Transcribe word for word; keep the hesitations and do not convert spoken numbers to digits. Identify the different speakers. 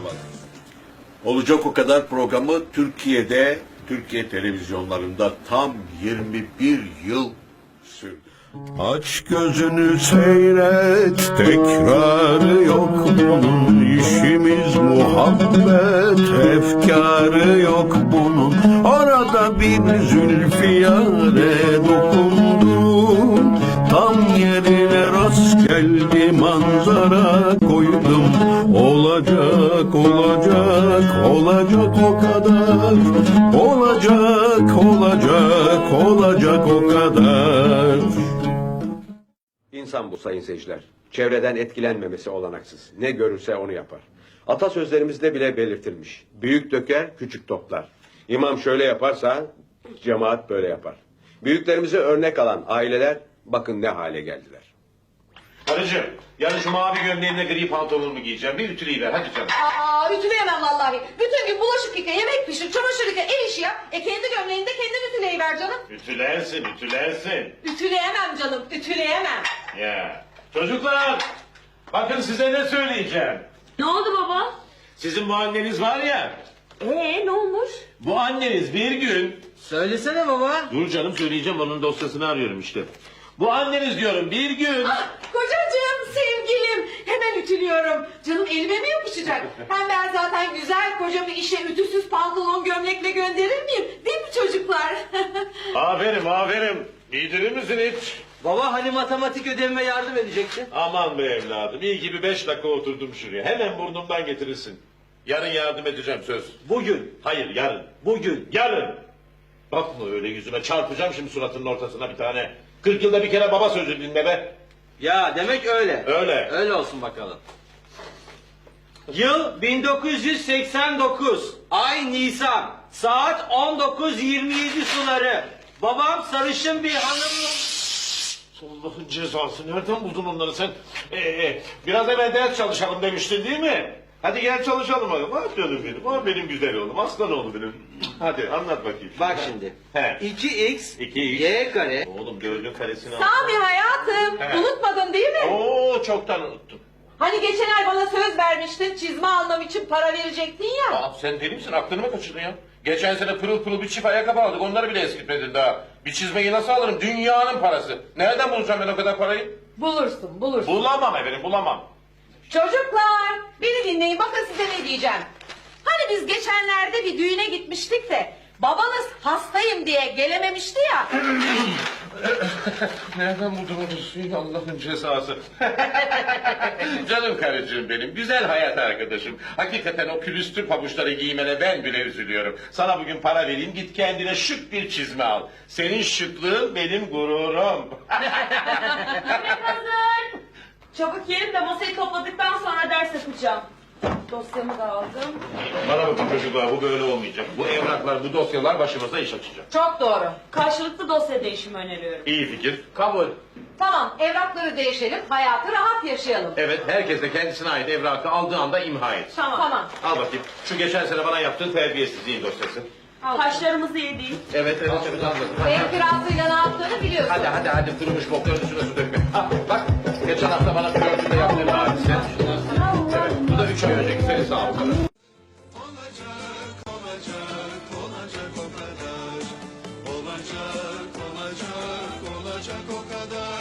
Speaker 1: başlamadı. Olacak o kadar programı Türkiye'de, Türkiye televizyonlarında tam yirmi bir yıl sürdü. Aç gözünü seyret, tekrarı yok bunun. İşimiz muhabbet, efkarı yok bunun. Arada bir zülfiyare dokundum, tam yerine rast geldi manzara koydum. Olacak, olacak, olacak o kadar. Olacak, olacak, olacak o kadar.
Speaker 2: İnsan bu sayın seyirciler. Çevreden etkilenmemesi olanaksız. Ne görürse onu yapar. Atasözlerimizde bile belirtilmiş. Büyük döker, küçük toplar. İmam şöyle yaparsa cemaat böyle yapar. Büyüklerimize örnek alan aileler bakın ne hale geldiler.
Speaker 3: Karıcığım, yarın şu mavi gömleğimle gri pantolonumu giyeceğim. Bir ütüleyiver hadi canım.
Speaker 4: Aa, ütüleyemem vallahi. Bütün gün bulaşık yıka, yemek pişir, çamaşır yıka, ev işi yap. E kendi gömleğini de kendin ütüleyiver canım.
Speaker 3: Ütülersin, ütülersin.
Speaker 4: Ütüleyemem canım, ütüleyemem.
Speaker 3: Ya. Çocuklar, bakın size ne söyleyeceğim.
Speaker 4: Ne oldu baba?
Speaker 3: Sizin bu anneniz var ya,
Speaker 4: Ee ne olmuş?
Speaker 3: bu anneniz bir gün...
Speaker 5: Söylesene baba.
Speaker 3: Dur canım söyleyeceğim, onun dosyasını arıyorum işte. Bu anneniz diyorum bir gün...
Speaker 4: Ah, kocacığım, sevgilim. Hemen ütülüyorum. Canım elime mi yapışacak? Hem ben zaten güzel kocamı işe ütüsüz pantolon gömlekle gönderir miyim? Değil mi çocuklar?
Speaker 3: Aferin, aferin. Giydirir misin hiç?
Speaker 5: Baba hani matematik ödevime yardım edecekti?
Speaker 3: Aman be evladım, iyi ki bir beş dakika oturdum şuraya. Hemen burnumdan getirirsin. Yarın yardım edeceğim söz.
Speaker 5: Bugün.
Speaker 3: Hayır yarın.
Speaker 5: Bugün.
Speaker 3: Yarın. Bakma öyle yüzüme, çarpacağım şimdi suratının ortasına bir tane. Kırk yılda bir kere baba sözü dinle be.
Speaker 5: Ya demek öyle.
Speaker 3: Öyle.
Speaker 5: Öyle olsun bakalım. Yıl bin dokuz yüz seksen dokuz. Ay Nisan. Saat on dokuz yirmi yedi suları. Babam sarışın bir hanım.
Speaker 3: Allah'ın cezası, nereden buldun onları sen? Ee, e, biraz evvel ders çalışalım demiştin değil mi? Hadi gel çalışalım bakalım. Ah canım benim, ah benim güzel oğlum, aslan oğlum benim. Hadi anlat bakayım.
Speaker 5: Bak şimdi.
Speaker 3: He.
Speaker 5: iki x
Speaker 3: İki x.
Speaker 5: y kare.
Speaker 3: Oğlum dördün karesini al.
Speaker 4: Sami hayatım,
Speaker 3: He.
Speaker 4: unutmadın değil mi?
Speaker 3: Oo çoktan unuttum.
Speaker 4: Hani geçen ay bana söz vermiştin, çizme almam için para verecektin ya.
Speaker 3: Aa, sen deli misin? Aklını mı kaçırdın ya? Geçen sene pırıl pırıl bir çift ayakkabı aldık. Onları bile eskitmedin daha. Bir çizmeyi nasıl alırım? Dünyanın parası. Nereden bulacağım ben o kadar parayı?
Speaker 4: Bulursun, bulursun.
Speaker 3: Bulamam efendim, bulamam.
Speaker 4: Çocuklar, beni dinleyin, bakın size ne diyeceğim. Hani biz geçenlerde bir düğüne gitmiştik de babanız hastayım diye gelememişti ya.
Speaker 3: Nereden buldun onu suyun, Allah'ın cezası? Canım karıcığım benim, güzel hayat arkadaşım. Hakikaten o külüstür pabuçları giymene ben bile üzülüyorum. Sana bugün para vereyim, git kendine şık bir çizme al. Senin şıklığın benim gururum.
Speaker 6: Hazır. Çabuk yiyelim de masayı topladıktan sonra ders yapacağım. Dosyamı da aldım.
Speaker 3: Bana bakın çocuklar, bu böyle olmayacak. Bu evraklar, bu dosyalar başımıza iş açacak.
Speaker 4: Çok doğru.
Speaker 6: Karşılıklı dosya değişimi öneriyorum.
Speaker 3: İyi fikir.
Speaker 5: Kabul.
Speaker 4: Tamam, evrakları değişelim, hayatı rahat yaşayalım.
Speaker 3: Evet, herkes de kendisine ait evrakı aldığı anda imha et.
Speaker 6: Tamam.
Speaker 4: Tamam.
Speaker 3: Al bakayım, şu geçen sene bana yaptığın terbiyesizliğin dosyası.
Speaker 6: Kaşlarımızı yedik.
Speaker 3: Evet, evet, evet, al bakayım.
Speaker 4: Ev kirasıyla ne yaptığını biliyorsun.
Speaker 3: Hadi hadi hadi, kurumuş bokların üstüne su dökme. Ha, bak, geçen hafta bana flörtünde yaptığın hadise. Evet, bu da üç ay önceki seni sağ ol.
Speaker 7: Olacak, olacak, olacak o kadar. Olacak, olacak, olacak o kadar.